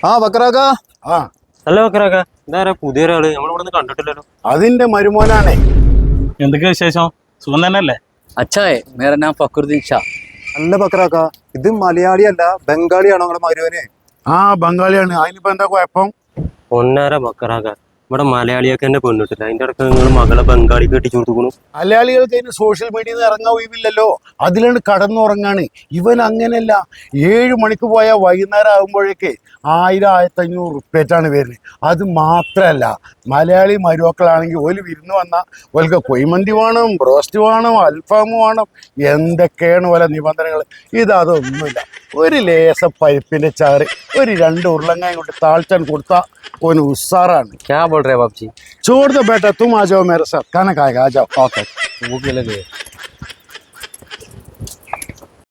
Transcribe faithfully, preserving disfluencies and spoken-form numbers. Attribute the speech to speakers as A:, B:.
A: ആ ബക്കറാക്ക.
B: ആ
C: അല്ല ബക്കറാക്ക, ഇതാരാ പുതിയൊരാള്? നമ്മളിവിടെ കണ്ടിട്ടില്ലല്ലോ.
B: അതിന്റെ മരുമോനാണേ.
D: എന്തൊക്കെ വിശേഷം? സുഖം തന്നെയല്ലേ?
E: അച്ഛായേ മേര നാം ഫക്രുദ്ദീൻ ഷാ.
A: അല്ല ബക്കറാക്ക, ഇത് മലയാളി അല്ല ബംഗാളിയാണോ നിങ്ങളുടെ മരുവന്?
B: ആ ബംഗാളിയാണ്. അതിനിപ്പോ എന്താ കുഴപ്പം?
C: ഒന്നര ബക്കറാക്ക, ഇവിടെ മലയാളിയൊക്കെ എന്നെ പെണ്ണിട്ടില്ല. അതിന്റെ ഇടയ്ക്ക് നിങ്ങൾ മകളെ ബംഗാളി കെട്ടിച്ചു കൊടുക്കണു.
B: മലയാളികൾക്ക് അതിന് സോഷ്യൽ മീഡിയയിൽ നിന്ന് ഇറങ്ങാൻ ഒഴിവില്ലല്ലോ, അതിലാണ് കടന്നുറങ്ങാണ്. ഇവൻ അങ്ങനെയല്ല. ഏഴ് മണിക്ക് പോയാൽ വൈകുന്നേരം ആകുമ്പോഴേക്ക് ആയിരം ആയിരത്തി അഞ്ഞൂറ് റുപ്യേറ്റാണ് വരുന്നത്. അത് മാത്രമല്ല, മലയാളി മരുമക്കളാണെങ്കിൽ ഒരു വിരുന്ന് വന്നാൽ ഓൽക്ക് കൊയ്മന്തി വേണം, ബ്രോസ്റ്റ് വേണം, അൽഫാം വേണം, എന്തൊക്കെയാണ് പോലെ നിബന്ധനകൾ. ഇതൊന്നുമില്ല. ഒരു ലേസ പരിപ്പിന്റെ ചാറ്, ഒരു രണ്ട് ഉരുളങ്ങായും കൊണ്ട് താഴ്ത്താൻ കൊടുത്താൽ ഓന് ഉസാറാണ്.
E: क्या बोल रहे हैं बाप जी?
B: छोड़ दो बेटा, तुम आ जाओ मेरे साथ, खाना खाएगा, आ जाओ।
E: ओके भूख लगी है।